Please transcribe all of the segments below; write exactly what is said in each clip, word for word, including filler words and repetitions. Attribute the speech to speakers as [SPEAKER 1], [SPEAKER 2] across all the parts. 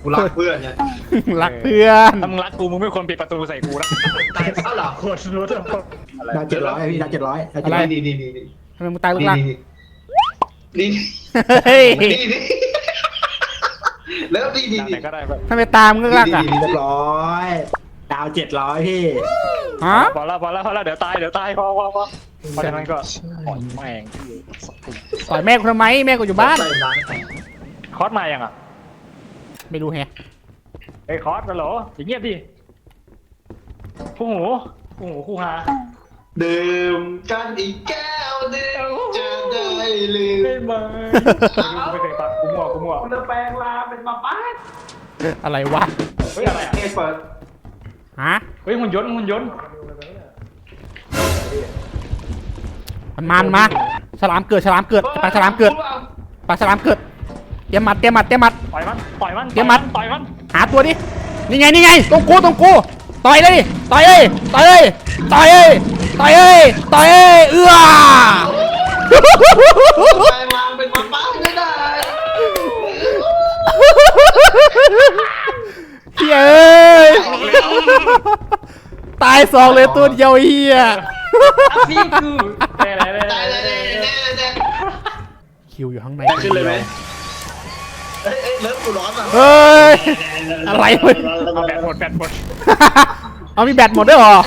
[SPEAKER 1] กูรักเพื่อนเนี่ย
[SPEAKER 2] รักเพื่อน
[SPEAKER 3] ถ้ามึงรักกูมึงไม่ควรปิดประตูใส่กูนะ
[SPEAKER 1] ตายเอ้าเหรอ
[SPEAKER 3] คนรู้ทั้งคน
[SPEAKER 4] ดาวเจ็ดร้อยพี่ดาวเจ็ดร้อยดาวเจ็ด
[SPEAKER 1] อะไร
[SPEAKER 4] ร้อย
[SPEAKER 1] นี่นี่นี่นี่
[SPEAKER 2] ทำไมมึงตายลูก
[SPEAKER 1] นี่
[SPEAKER 2] ล่าง
[SPEAKER 1] นี่นี่
[SPEAKER 2] เฮ้ย
[SPEAKER 1] นี่นี่แล้วนี่นี่
[SPEAKER 3] ไหนก็ได้แบบ
[SPEAKER 2] ทำไมตามมึงลูกล่างอ่ะ
[SPEAKER 1] นี่
[SPEAKER 4] เรียบร้อยดาวเจ็ดร้อยพี่
[SPEAKER 2] ฮะ
[SPEAKER 3] พอแล้วพอแล้วพอแล้วเดี๋ยวตายเดี๋ยวตายพอพอพอเพราะฉะนั้นก็ปล่อยแม่ง
[SPEAKER 2] ต่อยแม่กูทำไมแม่กูอยู่บ้าน
[SPEAKER 1] ใส่ร้าน
[SPEAKER 3] คอสมายังอ่ะ
[SPEAKER 2] ไม่รู้แฮะ
[SPEAKER 3] ไอ้คอสกันเหรออย่างเงียบดิคู่หูคู่หูคู่ฮา
[SPEAKER 1] ดื่มกันอีกแก้วหนึงจะได้ลืม
[SPEAKER 3] ไม่มาไม่เคยฟังกูมั่วกูมั่ว
[SPEAKER 1] จะแปลงลาเป็นมาป้า
[SPEAKER 2] อะไรวะ
[SPEAKER 3] เฮ้ยอะไรอ่ะ
[SPEAKER 1] เปิด
[SPEAKER 2] ฮะ
[SPEAKER 3] เฮ้ยหุ่นยนต์หุ่นยนต์
[SPEAKER 2] มันมามันมาฉลามเกิดฉลามเกิดปลาฉลามเกิดปลาฉลามเกิดเตรียมหมัดเตรียมหมัดเตรียมหมัด
[SPEAKER 3] ปล่อยมันปล่อยมัน
[SPEAKER 2] เดี๋ยวมัด
[SPEAKER 3] ปล่อยมัน
[SPEAKER 2] หาตัวดินี่ไงนี่ไงตรงกูตรงกูต่อยเลยดิต่อยเลยต่อยเลยต่อยเลยต่อยเลยต่อยเลยเอื้อ
[SPEAKER 1] แปลงลาเป็นมาป้าไม่ได้
[SPEAKER 2] เย้ยตายสองเลยตัวเดียวเฮีย
[SPEAKER 3] พี่กูแน่แน่แน่
[SPEAKER 1] ได้ได้ได้ได้ได้
[SPEAKER 2] คิวอยู่ข้างใน
[SPEAKER 1] ขึ้นเลยไหมเอ้ยเอ้ยเลิฟกูร้อนอ่ะ
[SPEAKER 2] เฮ้ยอะไรวะ
[SPEAKER 3] เอาแบตหมดแบตหมด
[SPEAKER 2] เอามีแบตหมดด้วยเหรอ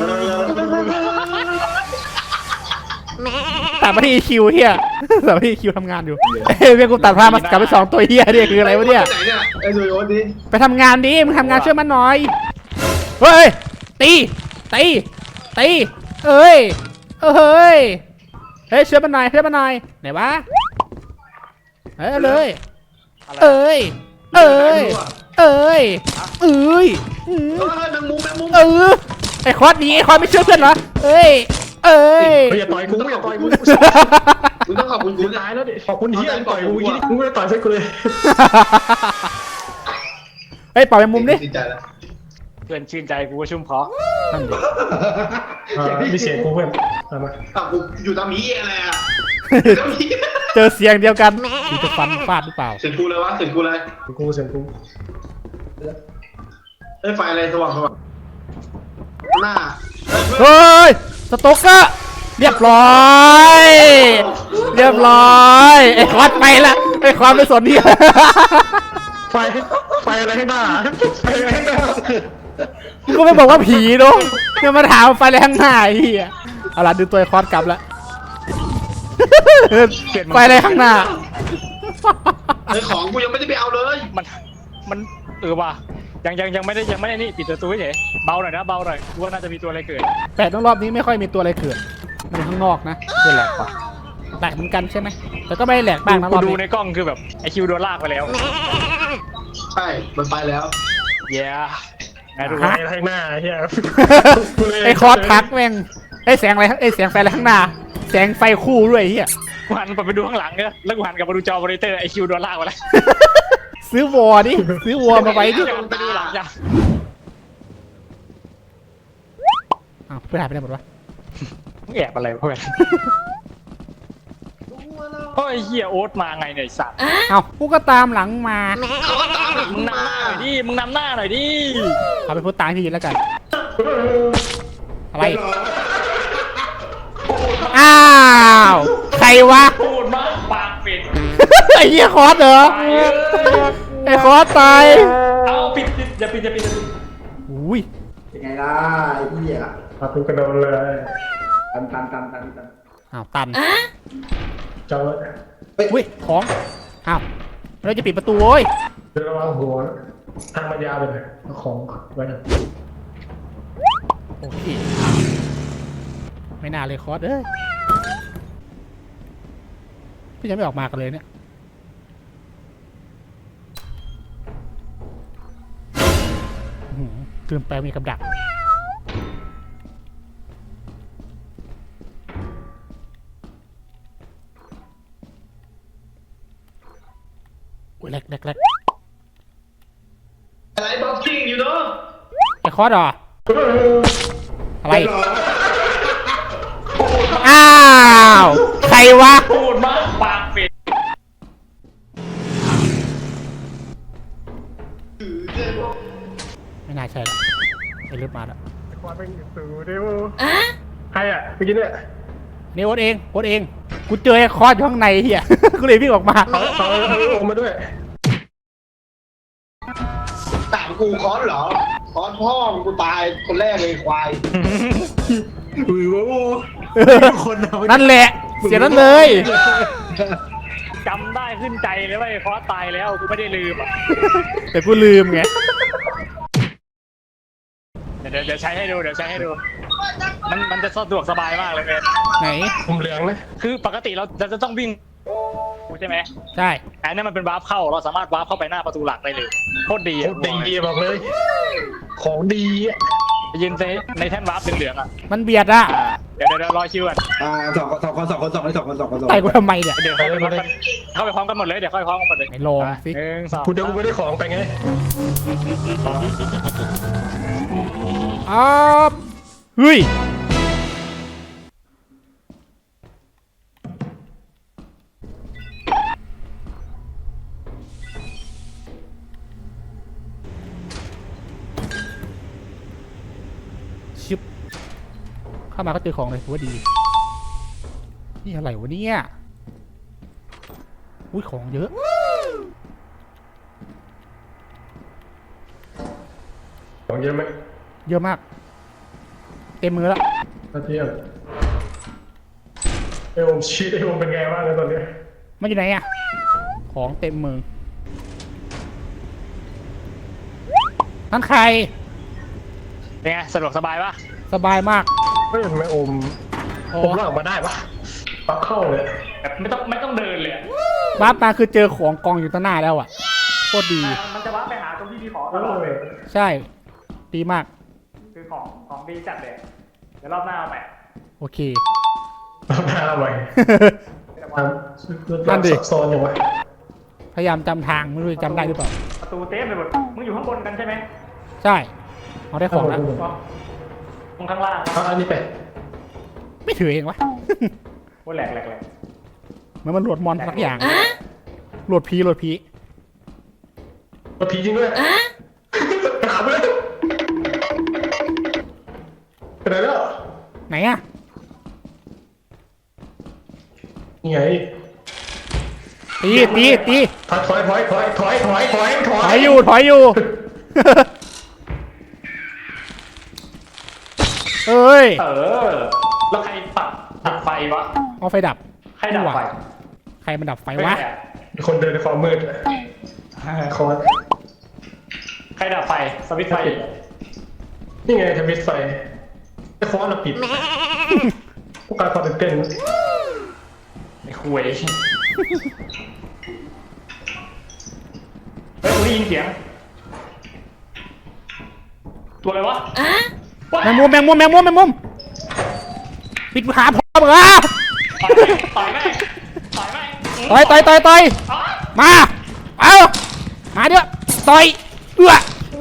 [SPEAKER 2] ตัดมาที่คิวเฮียตัดมาที่คิวทำงานอยู่เฮ้ยเพื่อนกูตัดภาพมากลับไปสองตัวเฮียเนี่ยคืออะไรวะเนี่ย
[SPEAKER 1] ไหนเนี่ยไอ้ดูโยนดิ
[SPEAKER 2] ไปทำงานดิมึงทำงานช่วยมันหน่อยเฮ้ยตีตีตีเอ้ยเอ้ยเฮ้ยช่วยมันหน่อยช่วยมันหน่อยไหนวะเฮ้ยเอาเลยเอ้ยเอ้ยเอ้ยเอ้ยอืม
[SPEAKER 1] เออแมงมุมแมงมุม
[SPEAKER 2] เออไอ้คอสหนีไอ้คอสไม่เชื่อเพื่อนเหรอเอ้ยเอ้ย
[SPEAKER 3] เฮ้ยอย่าต่อยกูอย่าต่อยกู
[SPEAKER 1] มึงต้องขอบคุณกู
[SPEAKER 3] ตายแล้วดิขอบคุณที่ต่อยกูยี่มึงไม่ได้ต่อยใส่กูเลย
[SPEAKER 2] เฮ้ยปล่อยไปมุมดิ
[SPEAKER 1] ดีใจแล้ว
[SPEAKER 3] เพื่อนชื่นใจกูก็ชุ่มคอ
[SPEAKER 5] มีเสียงกูเพื่อนเอามา
[SPEAKER 1] อ้าวกูอยู่ตามนี้อะไรอ่ะตามนี้
[SPEAKER 2] เจอเสียงเดียวกันมีจะฟันฟาดหรือเปล่า
[SPEAKER 1] เสียงกูเลยวะเสียงกูอะไร
[SPEAKER 5] เสียงกูเสียงกู
[SPEAKER 1] เอ้ยไฟอะไรสว่างสว่างหน้า
[SPEAKER 2] เฮ้ยสต๊อกเกอร์เรียบร้อย เรียบร้อยไอ้คอสไปละไอ้คอสไม่สนที่
[SPEAKER 5] ไฟไฟอะไรให้หน้าไฟอะไรให้หน้า
[SPEAKER 2] มึงก็ไม่บอกว่าผีเนาะยังมาถามไฟอะไรข้างหน้าไอ้เหี้ยเอาล่ะดูตัวไอ้คอสกลับละไฟอะไรข้างหน้า
[SPEAKER 1] ไอ้ของกูยังไม่ได้ไปเอาเลย
[SPEAKER 3] มันมันเออว่ะยังยังยังไม่ได้ยังไม่ได้นี่ปิดประตูเฉยเบาหน่อยนะเบาหน่อยกูว่าน่าจะมีตัวอะไรเกิด
[SPEAKER 2] แปดรอบนี้ไม่ค่อยมีตัวอะไรเกิดมันข้างนอกนะ
[SPEAKER 3] นี่แหละปะ
[SPEAKER 2] แหลกเหมือนกันใช่ไหมแต่ก็ไม่ได้แหลกบ้างนะร
[SPEAKER 3] กู
[SPEAKER 2] อบ
[SPEAKER 3] ดูใน
[SPEAKER 2] นี้
[SPEAKER 3] กล้องคือแบบไอคิวโดนลากไปแล้ว
[SPEAKER 1] ใช่มันไปแล้ว
[SPEAKER 3] เย้ไงทุกค
[SPEAKER 5] ไฟ
[SPEAKER 3] น
[SPEAKER 5] อะไรข้างหน้าเฮีย
[SPEAKER 2] ไอ้คอสทักแม่งไอ้แสงอะไรไอ้แสงไฟอะไรข้างหน้าแสงไฟคู่ด้วยไอ้เฮีย
[SPEAKER 3] กูหันไปดูข้างหลังเนี่ยแล้วกูหันกลับมาดูจอมอนิเตอร์ไอคิวโดนลากไปแล้ว
[SPEAKER 2] ซื้อวอดิซื้อวอมาไว้ดิ
[SPEAKER 3] เดี๋ยวไปดูหลังจ้ะ
[SPEAKER 2] อ้าวเพื่อนหายไปไหนหมดวะ
[SPEAKER 3] มึงแอบอะไรเพื่อนเฮ้ยเฮียโอ๊ตมาไงเนี่ยไอ้สัตว์
[SPEAKER 2] เอ้ากูก็ตามหลังมา
[SPEAKER 1] เขาก็ตามหลัง
[SPEAKER 3] มึ
[SPEAKER 1] มึ
[SPEAKER 3] ง
[SPEAKER 1] ง
[SPEAKER 3] นำห
[SPEAKER 1] มา
[SPEAKER 3] น้าหน่อยดิมึงนำหน้าหน่อยดิ
[SPEAKER 2] เอาไปพูดตามที่แล้วกันอะไรอ้าวใครวะ
[SPEAKER 3] พูดมากปากปิด
[SPEAKER 2] ไอ้เหี้ยคอสเหรอไอ้คอสตาย
[SPEAKER 3] เอาปิดปิดอย่าปิดอย่าปิดอย่าปิด
[SPEAKER 2] อุ้ย
[SPEAKER 4] ยังไงล่ะไอ้เหี้ย
[SPEAKER 5] พากูกระโดดเลย
[SPEAKER 4] ตันตันตันตันตัน
[SPEAKER 2] อ้าวตัน
[SPEAKER 5] เจ้า
[SPEAKER 2] อุ้ยของอ้าวเราจะปิดประตูโว้ย
[SPEAKER 5] เดินระวังหัวทางมันยาวไปเลยเอาของไว้นะ
[SPEAKER 2] โอเคไม่น่าเลยคอสเอ้ยพี่ยังไม่ออกมากันเลยเนี่ยอื้อหือเกินไปมีกับดักอุ้ยแรกแรกแรก
[SPEAKER 1] อะไรบ็อกซิ่งอยู่เนาะ
[SPEAKER 2] ไอ้คอสเหรออะไรอ้าวใครวะ
[SPEAKER 3] พูดมากปากปิด
[SPEAKER 2] ไม่น่าใช่ละไอ้เลือดมาแล้ว
[SPEAKER 5] ความเป็นสูเดวใครอ่ะเมื่อกี้เนี่ย
[SPEAKER 2] นี่โอ๊ตเองโอ๊ตเองกูเจอไอ้คอร์สอยู่ข้างในเฮีย กูเลยวิ่งออกมา
[SPEAKER 5] เขาเขาเขาลงมาด้วย
[SPEAKER 1] ถามกูคอนเหรอคอนพ่อมึงกูตายคนแรกเลยควาย
[SPEAKER 4] อุ้ยโว้คนเอา
[SPEAKER 2] นั่นแหละเสียนั้นเลย
[SPEAKER 3] จำได้ขึ้นใจเลยว่าไอ้คอสตายแล้วกูไม่ได้ลืมอ่ะ
[SPEAKER 2] แต่กูลืมไง
[SPEAKER 3] เดี๋ยวเดี๋ยวใช้ให้ดูเดี๋ยวใช้ให้ดู มันมันจะสะดวกสบายมากเลยเบน
[SPEAKER 2] ไหน
[SPEAKER 5] ผมเหลืองนะ
[SPEAKER 3] คือปกติเราจะต้องวิ่งใช่ไหม
[SPEAKER 2] ใช่
[SPEAKER 3] อันนี้มันเป็นวาร์ปเข้าเราสามารถวาร์ปเข้าไปหน้าประตูหลักได้เลยโคตรดี
[SPEAKER 5] โคตรดีบอกเลย ของดีอ่ะ
[SPEAKER 3] ยืนในในแท่นวาร์ปเหลืองๆอ่ะ
[SPEAKER 2] มันเบียดอะ
[SPEAKER 3] อ่าเดี๋ยวเดี๋ยวเดี๋ยวรอคิวก่อน
[SPEAKER 4] อ่าสองสองคนสองคนสองคนสองคนสองคนสอง
[SPEAKER 2] ไต่กูทำไมเนี่ย
[SPEAKER 3] เดี๋ยวเข้าไปพร้อมกันเข้าไปพร้อมกันหมดเลยเดี๋ยวเข้าไปพร้อมกันหมดเลย
[SPEAKER 2] ไหนลองสิ
[SPEAKER 3] หนึ่งสอง
[SPEAKER 5] พูดเดี๋ยวกูไม่ได้ของไปไง
[SPEAKER 2] อ้าวเฮ้ยชิบเข้ามาก็เจอของเลยถือว่าดี นี่อะไรวะเนี่ยอุ้ยของเยอะ
[SPEAKER 5] ของเยอะไหม
[SPEAKER 2] เยอะมาก เต็มมือแล้ว
[SPEAKER 5] ถ้าเทียบไอ้ผมชีตไอ้ผมเป็นไงบ้างในตอนนี้
[SPEAKER 2] มันอยู่ไหนอะของเต็มมือนั่นใคร
[SPEAKER 3] เป็นไงสะดวกสบายปะ
[SPEAKER 2] สบายมาก
[SPEAKER 5] เฮ้ยทำไมโอม
[SPEAKER 2] โอ้
[SPEAKER 5] ผมลากออกมาได้ปะปักเข้าเลย
[SPEAKER 3] แบบไม่ต้องไม่ต้องเดินเลยอะ
[SPEAKER 2] บ้าปมาคือเจอของกองอยู่ต่อหน้าแล้วอะโคตรดี
[SPEAKER 3] มันจะวาร์ปไปหาตรงที่มีของต
[SPEAKER 5] โอ้
[SPEAKER 3] ลอดเลย
[SPEAKER 5] ย
[SPEAKER 2] ใช่ ดีมาก
[SPEAKER 3] คือของของดีจัดเลยเดี๋ยวรอบหน้าเอาใหม่
[SPEAKER 2] โอเค
[SPEAKER 5] รับหน้าไว้ทำ
[SPEAKER 2] นั่นดิ
[SPEAKER 5] ซับซ้อนอย่างวะ
[SPEAKER 2] พยายามจำทางไม่รู้จะจำได้หรือเปล่า
[SPEAKER 3] ประตูเต็มไปหมดมึงอยู่ข้างบนกันใช่ไหม
[SPEAKER 2] ใช่เอาได้ของแล้ว
[SPEAKER 3] มึงข้างล่าง
[SPEAKER 5] เอาอันนี้ไป
[SPEAKER 2] ไม่ถือเองวะ
[SPEAKER 3] โอ้แหลกแหลกแหลก
[SPEAKER 2] เหมือนมันโหลดมอนสักอย่างโหลดพีโหลดพี
[SPEAKER 5] มาผีจริงด้วยไปหาไปเลยไปไหนแล้ว
[SPEAKER 2] ไหนอะ
[SPEAKER 5] นี่ไง
[SPEAKER 2] ตีตีตี
[SPEAKER 5] ถอยถอยถอยถอยถอยถอยถอยถ
[SPEAKER 2] ถ
[SPEAKER 5] อ
[SPEAKER 2] อย ยอยู่ถอยอยู่ เอ้ย
[SPEAKER 3] เออแล้วใครปัดตัดไฟวะ
[SPEAKER 2] เอาไฟดับ
[SPEAKER 3] ใครดับไฟ
[SPEAKER 2] ใครมันดับไฟวะ
[SPEAKER 5] มีคนเดินในความมืดคอน
[SPEAKER 3] ใครดับไฟสวิตช์ไฟ
[SPEAKER 5] นี่ไงทวิตไฟไอ้คอนเราปิดพวกการความตื่นเต้น
[SPEAKER 3] ไอ้คุยเฮ้ยกูได้ยินเสียงตัวอะไรวะ
[SPEAKER 2] แมงมุมแมงมุมแมงมุมแมงมุมปิดขาพอมึงอ่ะ
[SPEAKER 3] ต่อยแม่งต่อยแม่ง
[SPEAKER 2] ต่อยต่อยต่อยต่อยมา เอามาเดี๋ยวต่อยเอื้อ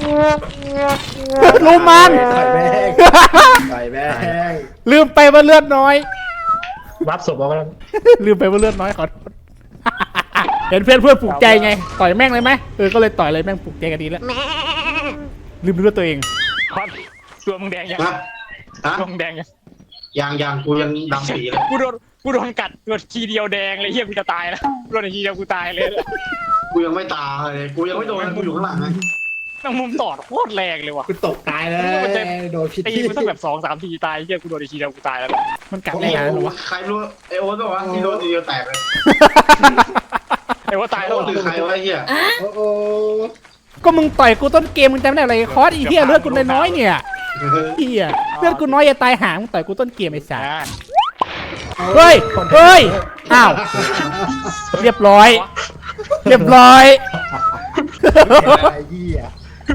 [SPEAKER 2] ลุมมัน
[SPEAKER 4] ต่อยแม่งต่อยแม่ง
[SPEAKER 2] ลืมไปว่าเลือดน้อย
[SPEAKER 5] วับศพออกมาแล้ว
[SPEAKER 2] ลืมไปว่าเลือดน้อยขอโทษ เห็นเพื่อนเพื่อนปลุกใจไง ต่อยแม่งเลยไหมเออ ก็เลยต่อยเลยแม่งปลุกใจกันดีแล้ว ลืมเลือดตัวเอง
[SPEAKER 3] คอนตัวมึงแดงยัง
[SPEAKER 1] ฮะฮะ
[SPEAKER 3] ตัวมึงแดงยัง
[SPEAKER 1] ยังยังกูยังดำปีเลย
[SPEAKER 3] กูโดนกูโดนกัดตัวทีเดียวแดงเลยเฮียกูจะตายแล้วกูโดนทีเดียวกูตายเลย
[SPEAKER 1] กูยังไม่ตายเลยกูยังไม่โดนกูอยู่ข้างหลังไง
[SPEAKER 3] แม่งมุมตอดโคตรแรงเลยว่ะ
[SPEAKER 4] กูตกตายเลยโดนพิษ
[SPEAKER 3] ตีกูต้องแบบสองสามทีตายเฮียกูโดนทีเดียวกูตายแล้ว
[SPEAKER 2] มันกัด
[SPEAKER 1] โอ้
[SPEAKER 2] ได้ไงหรอ
[SPEAKER 1] โห
[SPEAKER 2] วะ
[SPEAKER 1] ใครรู้ไอโอ๊ตบอกว่าที่โดนทีเดียวแตกเลย
[SPEAKER 3] ไอ้ว่าตายแล้ว
[SPEAKER 1] โอ๊ตคือใครวะไอ้เหี้ย
[SPEAKER 4] โอ้โห
[SPEAKER 2] ก็มึงต่อยกูต้นเกมมึงจำได้อะไรคอร์สอีเหี้ยเลือดกูน้อยๆเนี่ยเหี้ยเลือดกูน้อยอย่าตายหามึงต่อยกูต้นเกมไอ้สัส
[SPEAKER 3] อ่า
[SPEAKER 2] เฮ้ย เฮ้ย อ้าว เรียบร้อย เรียบร้อย
[SPEAKER 4] ไอ้เหี้ย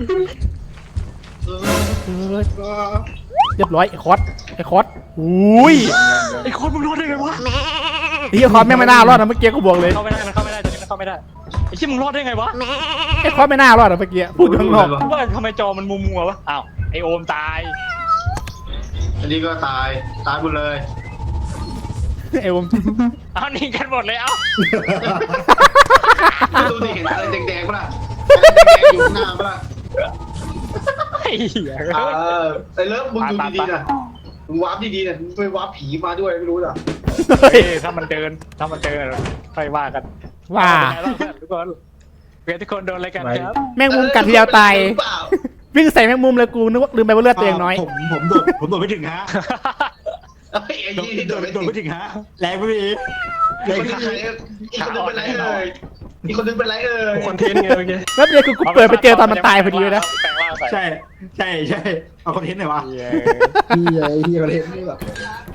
[SPEAKER 2] เรียบร้อยไอ้คอสไอ้คอสอุ้ย
[SPEAKER 3] ไอ้คนมึงรอดได้ไงวะ
[SPEAKER 2] ไอ้คอสแม่งไม่น่ารอดนะเมื่อกี้กูบอกเลย
[SPEAKER 3] เข้าไม่ได้มันเข้าไม่ได้ตอนนี้มันเข้าไม่ได้ไอ้ที่มึงรอดได้ไงวะ
[SPEAKER 2] ไอ้คอสไม่น่ารอดนะเมื่อกี้พูดข้างนอก
[SPEAKER 3] ว่าทำไมจอมันมัวมัวๆวะอ้าวไอโอมตาย
[SPEAKER 1] อันนี้ก็ตายตายหมดเลย
[SPEAKER 2] ไอ้ผม
[SPEAKER 3] เอาหนีกันหมดเลยเอ้า
[SPEAKER 1] ไม่ดูดิเห็นอะไรแดงๆป่ะล่ะอยู่ข้างหน้าปะล่ะ
[SPEAKER 3] ไอ้เหี้ย
[SPEAKER 1] เออไอ้เลิฟมึงดูดีๆนะมึงวาร์ปดีๆนะมึงไปวาร์ปผีมาด้วยไม่รู้เหรอ
[SPEAKER 2] เฮ้ย
[SPEAKER 3] เฮ้ยถ้ามันเดินถ้ามันเดินค่อยว่ากัน
[SPEAKER 2] ว่า
[SPEAKER 3] เป็นไงบ้างเพื่อนทุกคนเพื่อนทุกคนโดนอะไรกันครับ
[SPEAKER 2] แมงมุมกัดทีเดียวตาย
[SPEAKER 1] หรือเปล่า
[SPEAKER 2] วิ่งใส่แมงมุมเลยกูนึกว่าลืมไปว่าเลือดตัวเองน้อย
[SPEAKER 4] ผมผมโดดผมโดดไม่ถึงฮะ
[SPEAKER 1] เอ้ยไอ้
[SPEAKER 4] โดด
[SPEAKER 1] ยี่
[SPEAKER 4] โด
[SPEAKER 1] โด
[SPEAKER 4] ด
[SPEAKER 1] นไป
[SPEAKER 4] โดด
[SPEAKER 1] ติ
[SPEAKER 4] ไม่
[SPEAKER 1] ด
[SPEAKER 4] ถึงฮะแรงไม่มี
[SPEAKER 1] อีกคนนึงเป็นไรเอ่ยอีกคนนึงเป็นไรเอ่ยอีกคนนึงเป็นไรเอ่ย
[SPEAKER 5] คอนเทนต์ไงเมื่อกี้
[SPEAKER 2] แล้วเดี๋ยวคือกูเปิดไปเจอตอนมันตายพอดีเลยนะ
[SPEAKER 3] แปลงร่างใส่
[SPEAKER 4] ใช่ใช่ใช่เอาคอนเทนต์หน่อยวะ
[SPEAKER 3] เหี้ย
[SPEAKER 4] เฮียเฮียคอนเทนต์นี่แบบ